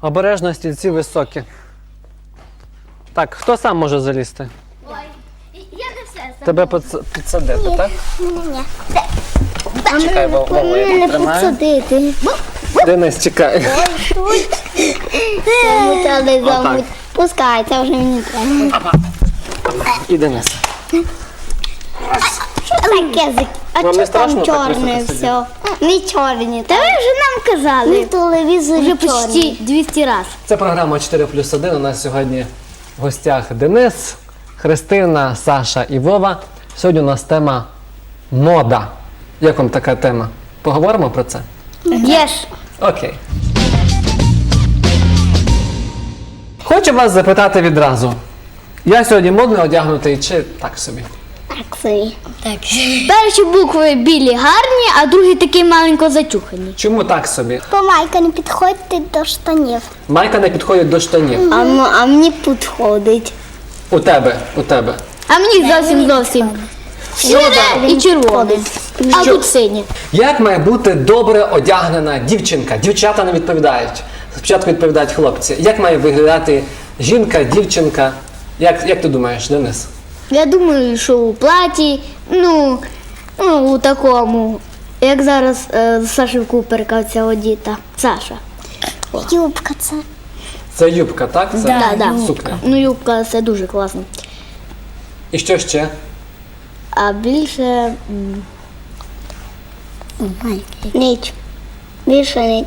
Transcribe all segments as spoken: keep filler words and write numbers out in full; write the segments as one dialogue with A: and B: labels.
A: Обережно, стільці високі. Так, хто сам може залізти?
B: Ой, я не все сам.
A: Тебе підс- підсадити, так?
B: Ні-ні-ні.
A: Чекай, Вова, я
B: Не
A: підтримаю.
B: підсадити.
A: Денис, чекай.
B: Це не треба
A: Отак.
B: замуть. Пускай, це вже мені треба.
A: І Денис.
B: Що таке? за- А
A: Вам не
B: що там
A: страшно так
B: чорне
A: високо
B: все? Не чорні. Та ви вже нам казали. В телевізорі вже почти двісті разів.
A: Це програма чотири плюс один. У нас сьогодні в гостях Денис, Христина, Саша і Вова. Сьогодні у нас тема мода. Як вам така тема? Поговоримо про це?
B: Єш.
A: Окей. Хочу вас запитати відразу. Я сьогодні модно одягнутий чи так собі?
B: Так собі. Так. Перші букви білі гарні, а другі такі маленько зачухані.
A: Чому так собі?
C: Бо майка не підходить до штанів.
A: Майка не підходить до штанів.
B: А, м- а мені підходить.
A: У тебе, у тебе.
B: А мені зовсім зовсім. Сіре і червоне. А
A: Що?
B: тут синє.
A: Як має бути добре одягнена дівчинка? Дівчата не відповідають. Спочатку відповідають хлопці. Як має виглядати жінка, дівчинка? Як, як ти думаєш, Денис?
B: Я думаю, що у платі, ну, ну у такому, як зараз е, Саші Куперка ця одіта. Саша.
C: Юбка це.
A: Це юбка, так? Це
B: Да, да.
A: сукня.
B: Ну, юбка це дуже класно.
A: І що ще?
B: А більше м,
C: Ніч. Більше ніч.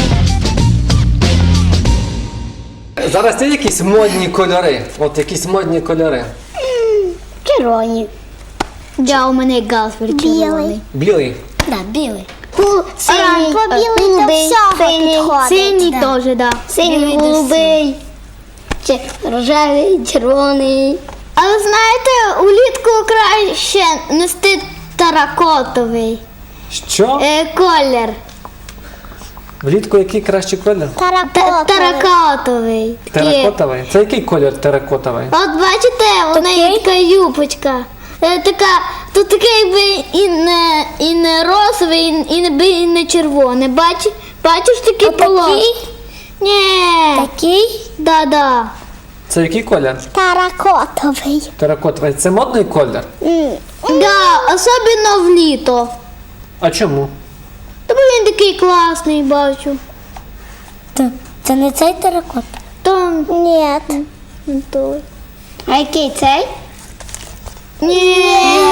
A: Зараз є якісь модні кольори? От якісь модні кольори.
C: Червоні.
B: да, у мене галстук червоний.
A: Білий.
B: Да, білий.
C: Гул, синій,
B: Оран-
C: білий до
B: голубий,
C: всього
B: синій,
C: підходить.
B: Синій теж, да.
C: Синій, голубий, чи рожевий, червоний.
B: А ви знаєте, улітку краще нести теракотовий
A: Що?
B: е, колір.
A: Влітку який кращий колір?
B: Та-
C: Таракотовий.
B: Теракотовий. Такий.
A: Теракотовий. Це який колір теракотовий?
B: От бачите, у неї така юбочка. Е, Така, тут таке якби і не, і не розове, і, і, не, і не червоне. Бач, бачиш такі полоски? Ні.
C: Такий?
B: Да-да.
A: Це який колір?
C: Таракотовий.
A: Теракотовий. Це модний колір?
C: М,
B: Да, особливо в літо.
A: А чому?
B: Тому він такий класний, бачу.
C: Це не цей теракот?
B: То
C: Ні.
B: не той.
C: А який цей?
B: Ні.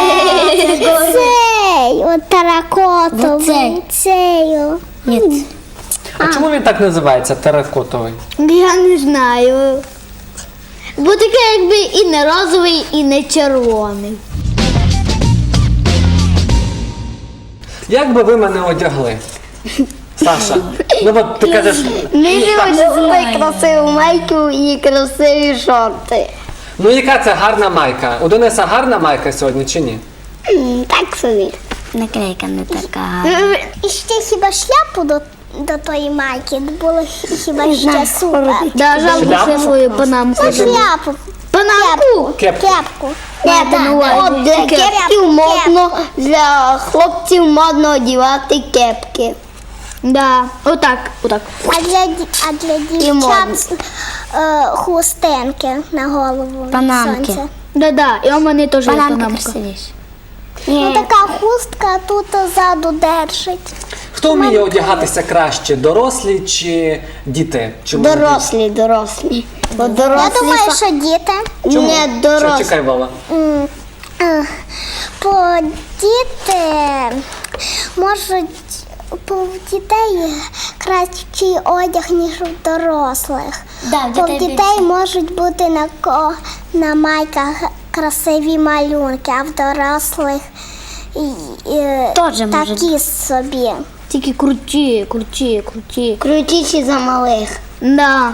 C: Цей, от таракотовий. Цей. о.
A: А, чому він так називається теракотовий?
B: Я не знаю. Бо таке якби і не розовий, і не червоний.
A: Як би ви мене одягли? Саша, ну от ти кажеш,
C: Ми одягли красиву майку і красиві шорти.
A: ну яка це гарна майка? У Дениса гарна майка сьогодні чи ні?
C: М, Так собі.
B: Наклейка не така.
C: І ще хіба шляпу до, до тої майки було хіба ще супер.
B: Да, жалко
A: Шляпу?
B: ще свою панамку.
C: Ну, шляпу.
B: Панамку?
A: Кепку.
C: Кепку.
B: Маєте на увазі?
C: От для
B: Кепку.
C: кепків модно, для хлопців модно одягати кепки.
B: Да, отак, отак.
C: А для, ді- а для дівчат е, хустинки на голову. від
B: Панамки.
C: сонця.
B: Да-да, і у мене теж є панамка.
C: Ну така хустка тут ззаду держить.
A: Хто вміє одягатися краще, дорослі чи діти? Чи молоді?
C: Дорослі, дорослі. Бо дорослі. Я думаю, що діти.
A: Чому?
C: Не
A: Що,
C: дорослі.
A: чекай, Вова.
C: М, е, Бо діти можуть, бо в дітей кращий одяг, ніж у дорослих.
B: Да, в
C: Бо в
B: дітей
C: дітей можуть бути на, ко- на майках красиві малюнки, а в дорослих і, і,
B: Тоже може
C: такі собі.
B: Тільки круті, круті, круті.
C: Крутіші за малих.
B: Да.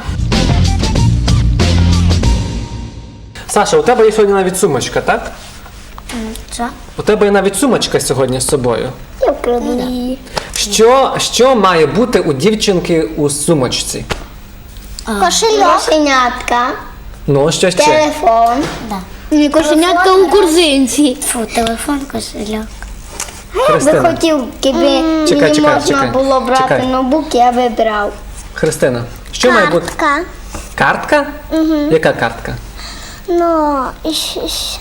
A: Саша, у тебе є сьогодні навіть сумочка, так?
B: Що?
A: У тебе є навіть сумочка сьогодні з собою.
C: Я вкраду.
A: Що, що має бути у дівчинки у сумочці?
C: Кошельок. Кошенятка.
A: Ну, що ще?
C: Телефон.
B: Ні, кошенятка у корзинці.
C: Фу, телефон, кошельок.
A: Христина.
C: Би хотів, якби
A: Чекай,
C: мені
A: чекай,
C: можна
A: чекай,
C: було брати
A: чекай.
C: ноутбук, я вибрав.
A: Христина, що має бути?
C: Картка.
A: Картка? Угу. Яка картка?
C: Ну, і щ- щ-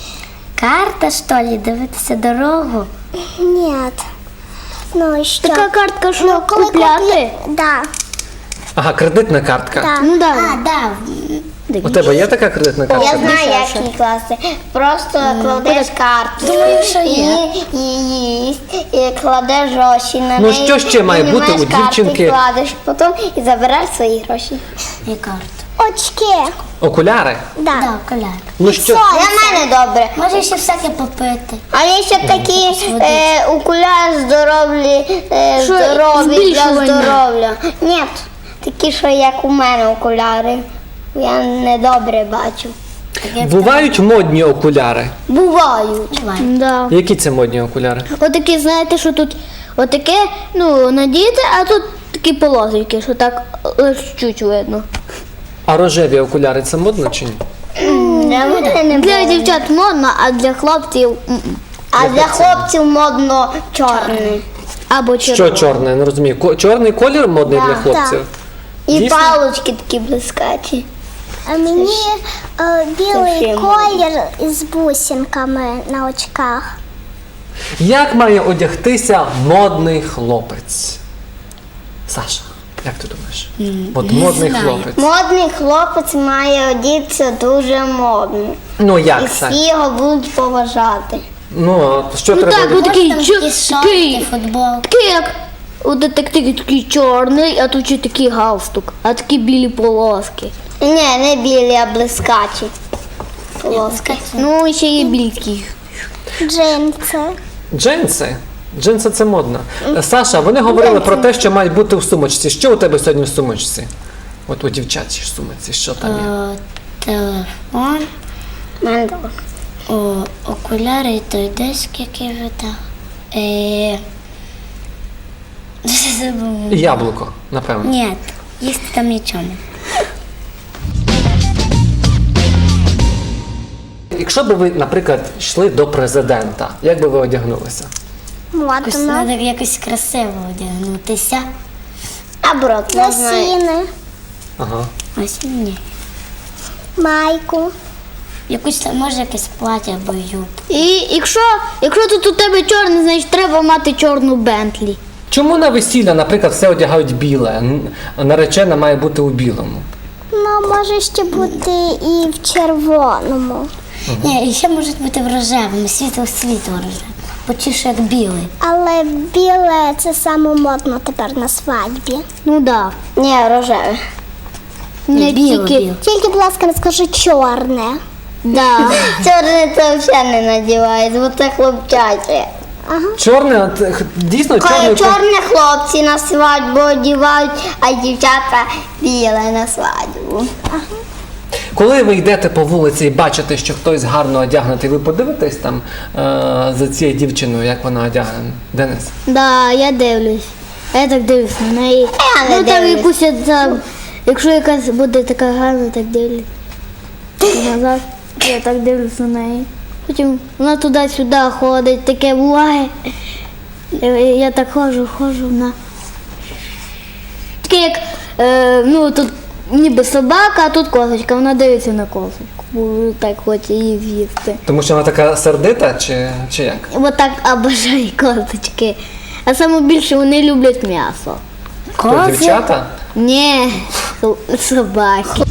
D: Карта, що ли, дивитися дорогу?
C: ні. Ну, і що?
B: Така картка, що
C: Ну, коли
B: купляти?
C: куплі- Да,
A: Ага, кредитна картка.
C: да.
B: Ну да.
D: А, да.
A: У тебе є така кредитна картка?
D: Я знаю, як її класти. Просто кладеш карту.
B: Думаю, що є.
D: І, і, і, і кладеш гроші на
A: Ну,
D: неї.
A: що ще має
D: і
A: бути у
D: знімаєш карту,
A: дівчинки?
D: І кладеш потім і забираєш свої гроші. І карту.
C: Очки.
A: Окуляри?
C: Да.
D: Да, коляр.
A: Ну що?
D: Для мене добре. Може ще всяке попити. А є ще такі е, окуляри здорові, е,
B: Що,
D: здорові для
B: збільшування?
D: здоров'я. Ні, такі, що як у мене окуляри. Я не добре бачу.
A: Бувають модні окуляри.
D: Бувають.
B: Да.
A: Які це модні окуляри?
B: Отакі, знаєте, що тут отаке, ну, надіти, а тут такі полосочки, що так лише чуть видно.
A: А рожеві окуляри це модно чи ні?
D: Для мене не
B: Для
D: було.
B: дівчат модно, а для хлопців м-м.
D: А для хлопців модно чорний.
B: або
A: Що
B: червоно.
A: чорне? Не розумію. Ко- Чорний колір модний для хлопців?
D: І
A: Дійсно?
D: палочки такі блискаті.
C: А мені е, білий
D: ще
C: колір із бусинками на очках.
A: Як має одягтися модний хлопець? Саша, як ти думаєш? От модний хлопець.
D: Модний хлопець має одітися дуже модно.
A: Ну
D: І
A: як це?
D: всі його будуть поважати.
A: Ну, от що
B: Ну
A: треба
B: так,
A: одягти?
B: отакий, чо- такий,
D: футбол.
B: такий як, от такий, такий чорний, а тут ще такий галстук, а такі білі полоски.
D: Ні, не білі, а блискачі. Полоски.
B: Ну, і ще є білі такі.
C: Джинси.
A: Джинси. Джинси це модно. Саша, вони говорили про те, що мають бути в сумочці. Що у тебе сьогодні в сумочці? От у дівчачій сумочці, що там є?
D: Телефон. Мандал. О, окуляри і той диск, який видав. Е... Забула.
A: І яблуко, напевно.
D: Ні, їсти там нічого.
A: Якщо б ви, наприклад, йшли до президента, як би ви одягнулися?
C: Модно.
D: Треба якось красиво одягнутися. Або не знаю.
C: Лосіни.
A: Ага.
D: Ось ні.
C: Майку.
D: Якусь там, може якесь плаття або юбку.
B: І якщо, якщо тут у тебе чорний, значить треба мати чорну Бентлі.
A: Чому на весілля, наприклад, все одягають біле? Н- Наречена має бути у білому.
C: Ну, може ще бути і в червоному.
D: Ні, і ще може бути в рожевому, світло світло рожеве. Почуєш як білий.
C: Але біле це саме модно тепер на свадьбі.
B: Ну да.
D: Ні, рожеве.
B: Не
D: біле,
B: тільки.
D: біле.
C: Тільки, будь ласка, не скажи чорне.
B: Да.
D: Чорне це взагалі не надівають, бо це хлопчаче.
A: Чорне, от, х- дійсно, чорний
D: Коли
A: ко-
D: чорні хлопці на свадьбу одівають, а дівчата біле на свадьбу.
A: Коли ви йдете по вулиці і бачите, що хтось гарно одягнутий, ви подивитесь там е- за цією дівчиною, як вона одягнена? Денис?
B: Да, я дивлюсь. А я так дивлюсь на неї.
D: Я не
B: Ну там
D: дивлюсь.
B: якусь я там, якщо якась буде така гарна, так дивлюсь. Назад, я так дивлюсь на неї. Потім вона туди-сюди ходить, таке буває. Я, я так ходжу, ходжу, вона. Таке як, е, ну тут ніби собака, а тут козочка, вона дивиться на козочку, бо так хоче її з'їсти.
A: Тому що вона така сердита, чи, чи як?
B: Бо так обожаю козочки. А саме більше вони люблять м'ясо.
A: Хто, дівчата?
B: Ні, со- собаки.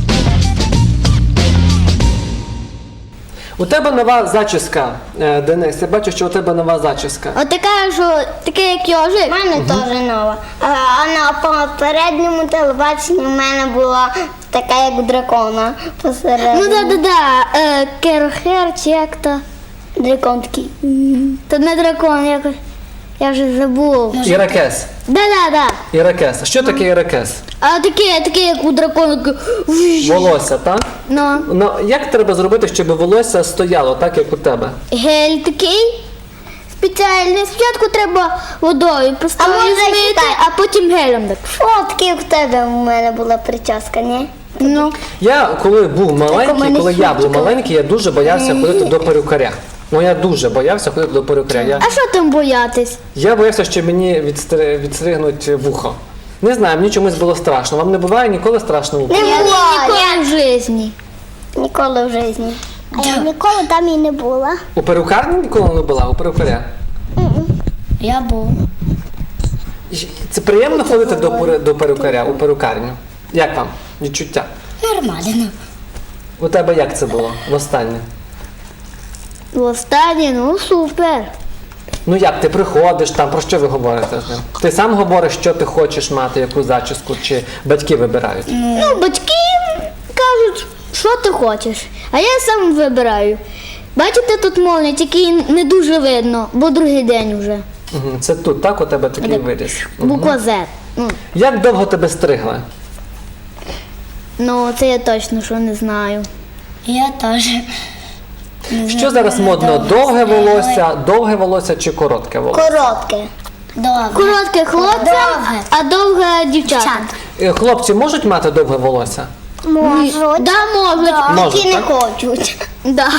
A: У тебе нова зачіска, е, Денис. Я бачу, що у тебе нова зачіска.
B: От така, що таке як
D: У
B: йожик.
D: мене теж нова. А, а на попередньому телебаченні в мене була така, як у дракона посередині.
B: Ну да, да, да. Е, Керхер чи як то.
D: Дракон такий.
B: То не дракон, якось. Я вже забув.
A: Іракес.
B: Да, да, да.
A: Іракес. Що таке іракес?
B: А таке, таке, як у дракона. таке, вжж.
A: Волосся, так?
B: Ну,
A: Ну, як треба зробити, щоб волосся стояло, так як у тебе?
B: гель такий. Спеціальний. Спочатку треба водою просто
D: А може,
B: змити,
D: так?
B: а потім гелем так.
D: Фотки в тебе в мене була прическа, ні?
B: Ну.
A: Я коли був
D: у
A: маленький,
D: мене
A: коли я був
D: щітка.
A: маленький, я дуже боявся ходити до перукаря. Ну я дуже боявся ходити до перукаря. Я,
B: А що там боятись?
A: я боявся, що мені відстри, відстригнуть вухо. Не знаю, мені чомусь було страшно. Вам не буває ніколи страшно? у
D: Не
A: перукарні?
D: було,
B: Ніколи в житті.
D: ніколи в житті.
C: А я ніколи там і не була.
A: У перукарні ніколи не була, у перукаря?
B: Я був.
A: І Це приємно ходити до, перу- до перукаря, у перукарню? Як вам відчуття?
B: Нормально.
A: У тебе як це було востаннє?
B: Востаннє, ну супер.
A: Ну як, ти приходиш там, про що ви говорите з ним? Ти сам говориш, що ти хочеш мати, яку зачіску, чи батьки вибирають?
B: Ну, батьки кажуть, що ти хочеш, а я сам вибираю. Бачите, тут молния, тільки не дуже видно, бо другий день вже.
A: Мгм, Це тут, так, у тебе такий виріс?
B: Буква Z. Ну,
A: Як довго тебе стригли?
B: ну, це я точно що не знаю.
E: Я теж.
A: Що зараз модно? Довге волосся, довге волосся чи коротке волосся?
D: Коротке.
E: Довго.
B: Коротке хлопцям,
E: Довге.
B: а довге дівчатам.
A: Е, Хлопці можуть мати довге волосся?
C: Можуть.
B: Да, можуть.
A: Можуть,
D: Ті не
A: так?
D: хочуть.
B: Да.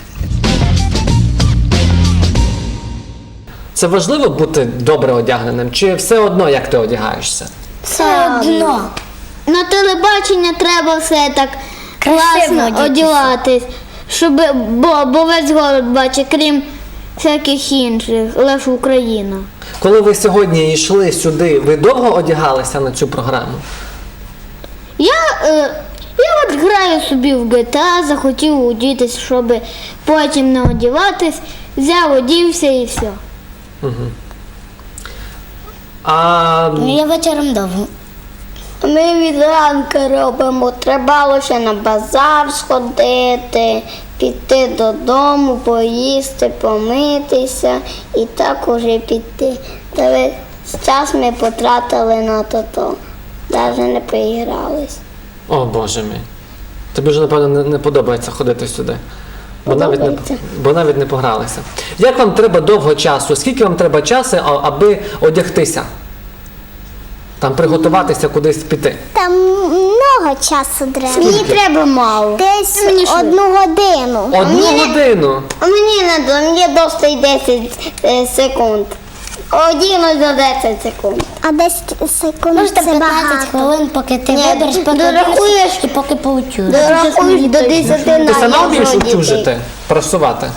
A: Це важливо бути добре одягненим, чи все одно, як ти одягаєшся?
E: Все одно.
B: На телебачення треба все так
E: Красиво
B: класно
E: одітися.
B: одягатись, щоб, бо, бо весь город бачить, крім всяких інших, лише Україна.
A: Коли ви сьогодні йшли сюди, ви довго одягалися на цю програму?
B: Я, е, я от граю собі в джі ті ей, захотів одітись, щоб потім не одягатись, взяв, одівся і все.
A: А
E: Ну, я вечором довго.
D: Ми від ранку робимо. Треба лише на базар сходити, піти додому, поїсти, помитися і так уже піти. Та весь час ми потратили на то-то. Навіть не поігрались.
A: О, Боже мій. Тобі вже, напевно, не, не подобається ходити сюди. Бо навіть, не,
D: Подобається.
A: бо навіть не погралися. Як вам треба довго часу? Скільки вам треба часу, а- аби одягтися? Там приготуватися, кудись піти?
C: Там много часу треба.
D: Мені треба мало.
C: Десь
D: Мені що?
C: одну годину.
A: Одну годину.
D: А мені не до, мені досить десять е, секунд. Одіну за десять секунд.
C: А десять секунд
E: Можете
C: це
E: п'ятнадцять
C: багато.
E: хвилин, поки ти
D: Ні,
E: вибереш, поки
D: дорахуєш.
E: одінешся і поки поучуєш.
D: Дорахуєш до десяти на
A: Ти сама
D: я
A: вмієш
D: вже одітий.
A: утюжити, прасувати?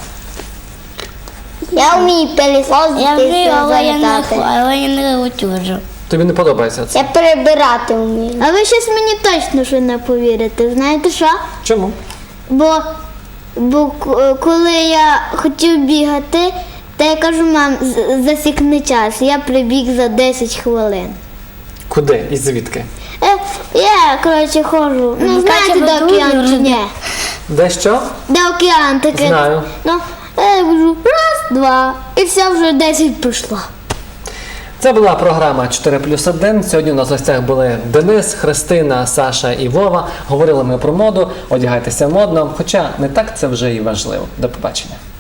D: Я вмію пилісос
E: Я вмію, але я не,
D: замітати.
E: але я не утюжу.
A: Тобі не подобається це?
D: Я перебирати вмію.
B: А ви щось мені точно що не повірите. Знаєте що?
A: Чому?
B: Бо, бо к- коли я хотів бігати, то я кажу, мам, з- засікни час. Я прибіг за десять хвилин.
A: Куди і звідки?
B: Е, я, коротше, ходжу. Ну, знаєте,
E: Катя,
B: де
E: ви
B: океан
E: дуже
B: чи ні?
A: Де що?
B: Де океан таке?
A: Знаю.
B: Ну, я кажу, раз, два, і все вже десять пройшло.
A: Це була програма чотири плюс один. Сьогодні у нас в гостях були Денис, Христина, Саша і Вова. Говорили ми про моду, одягайтеся модно, хоча не так це вже і важливо. До побачення.